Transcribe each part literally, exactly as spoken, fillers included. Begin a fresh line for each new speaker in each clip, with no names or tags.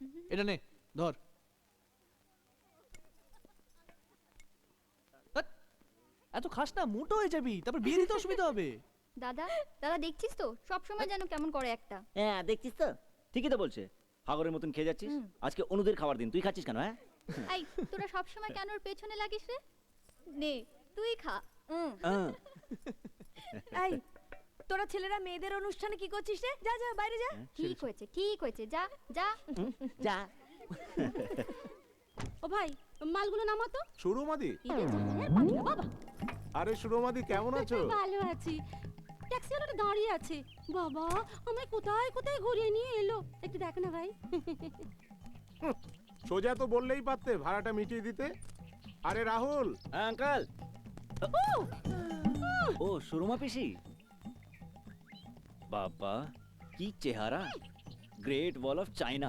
এটা নে ধর। ধ্যাৎ, এত খাস না, মোটো হয়ে যাবি, তারপর বিয়ে দিতে অসুবিধা হবে।
দাদা দাদা দেখছিস তো সব সময় যেন কেমন করে একটা।
হ্যাঁ দেখছিস তো, ঠিকই তো বলছে। হাগরের মতন খেয়ে যাচ্ছিস। আজকে অনুদের খাবার দিন, তুই খাচ্ছিস কেন? হ্যাঁ
এই তোরা সব সময় কেন ওর পেছনে লাগিস রে? নে তুই খা। উম।
আহ,
এই তোরা ছেলেরা মেয়েদের অনুষ্ঠানে কি করছিস রে? যা যা বাইরে যা।
ঠিক হয়েছে ঠিক হয়েছে, যা যা।
যা।
ও ভাই মালগুলো নামাতো।
সুরমাদি,
ঈদের জন্যের পাঠিয়ে বাবা।
আরে সুরমাদি কেমন আছো?
ভালো আছি। ট্যাক্সিওয়ালাটা দাঁড়িয়ে আছে। বাবা আমায় কোথায় কোথায় ঘুরিয়ে নিয়ে এলো, একটু দেখ না ভাই।
হুঁ, সোজা তো বললেই পারতে ভাড়াটা মিটিয়ে দিতে। আরে রাহুল,
হ্যাঁ আঙ্কেল। ও সুরমা পিসি, বাবা কি চেহারা, গ্রেট ওয়াল অফ চায়না।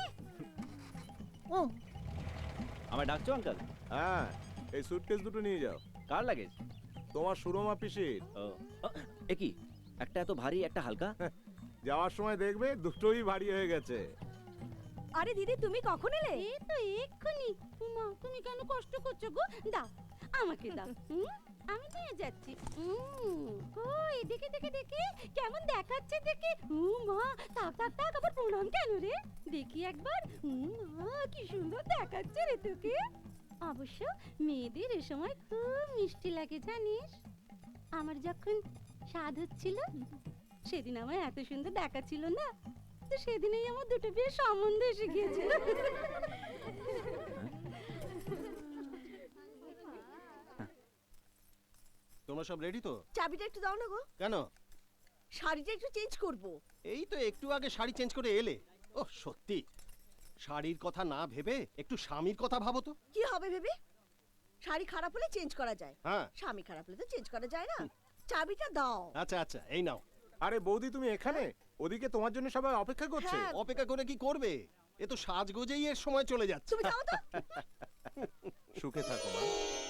ও আমায় ডাকছো আঙ্কেল?
হ্যাঁ এই সুটকেস দুটো নিয়ে যাও।
কার লাগেজ?
তোমার সুরমা পিসির।
ও এ কি, একটা এত ভারী একটা হালকা।
যাওয়ার সময় দেখবে দুটোই ভারী হয়ে গেছে।
আরে দিদি তুমি কখন এলে? এই তো এক্ষুনি। মা তুমি কেন কষ্ট করছো গো? দাও আমাকে দাও। হুম, আমি নিয়ে যাচ্ছি। হুম, কই দেখে দেখে দেখে কেমন দেখাচ্ছে দেখে। হুম মা, তাক তাক তাক আবার প্রণাম কেন রে? দেখি একবার। হুম মা কি সুন্দর দেখাচ্ছে রে তোকে। অবশ্য মেয়েদের এ সময় খুব মিষ্টি লাগে জানিস। আমার যখন স্বাদ হচ্ছিল সেদিন আমায় এত সুন্দর দেখাচ্ছিল না, তো সেদিনই আমার দুটো বিয়ের সম্বন্ধ এসে গিয়েছিল।
তোমরা সব রেডি তো?
চাবিটা একটু দাও না গো,
কেন?
শাড়িটা একটু চেঞ্জ করব।
এই তো একটু আগে শাড়ি চেঞ্জ করে এলে। ও সত্যি, শাড়ির কথা না ভেবে একটু স্বামীর কথা ভাবো তো।
কি হবে ভেবে? শাড়ি খারাপ হলে চেঞ্জ করা যায়,
হ্যাঁ
স্বামী খারাপ হলে তো চেঞ্জ করা যায় না। চাবিটা দাও।
আচ্ছা আচ্ছা এই নাও।
আরে বৌদি তুমি এখানে? ওদিকে তোমার জন্য সবাই অপেক্ষা করছে।
হ্যাঁ।
অপেক্ষা করে কি করবে? এ তো সাজগোজেই এর সময় চলে যাচ্ছে।
তুমি যাও তো।
সুখে থাকো মা।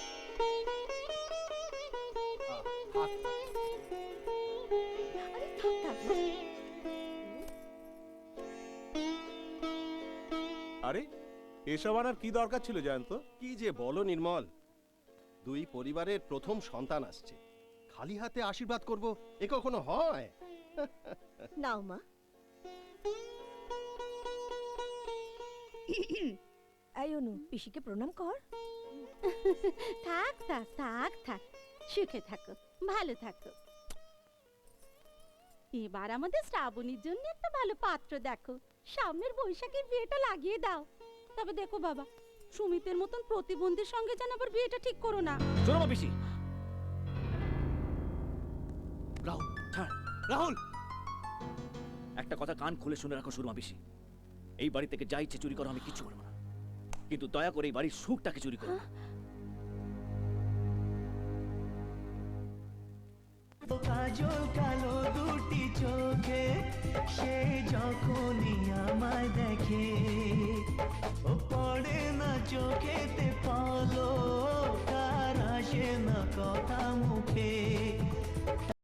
আরে থাক থাক।
আরে এসব আনার কি দরকার ছিল জয়ন্ত?
কি যে বলো নির্মল, দুই পরিবারের প্রথম সন্তান আসছে, খালি হাতে আশীর্বাদ করব এ কখনো হয়?
নাও মা। এই অনু পিসিকে প্রণাম কর।
থাক থাক থাক থাক, সুখে থাকো, ভালো থাকো। এবার আমাদের শ্রাবণীর জন্য একটা ভালো পাত্র দেখো, সামনের বৈশাখের বিয়েটা লাগিয়ে দাও। তবে দেখো বাবা, সুমিতের মতন প্রতিবন্ধীর সঙ্গে যেন আবার বিয়েটা ঠিক করো না।
সুরমা পিসি, রাহুল ছাড়, রাহুল একটা কথা কান খুলে শুনে রাখো সুরমা পিসি, এই বাড়ি থেকে যা ইচ্ছে চুরি করো আমি কিচ্ছু করবো না, কিন্তু দয়া করে এই বাড়ির সুখটাকে চুরি করো না।
কাজল কালো দুটি চোখে সে যখনই আমায় দেখে, ও পড়ে না চোখেতে পলো, তার আসে না কথা মুখে।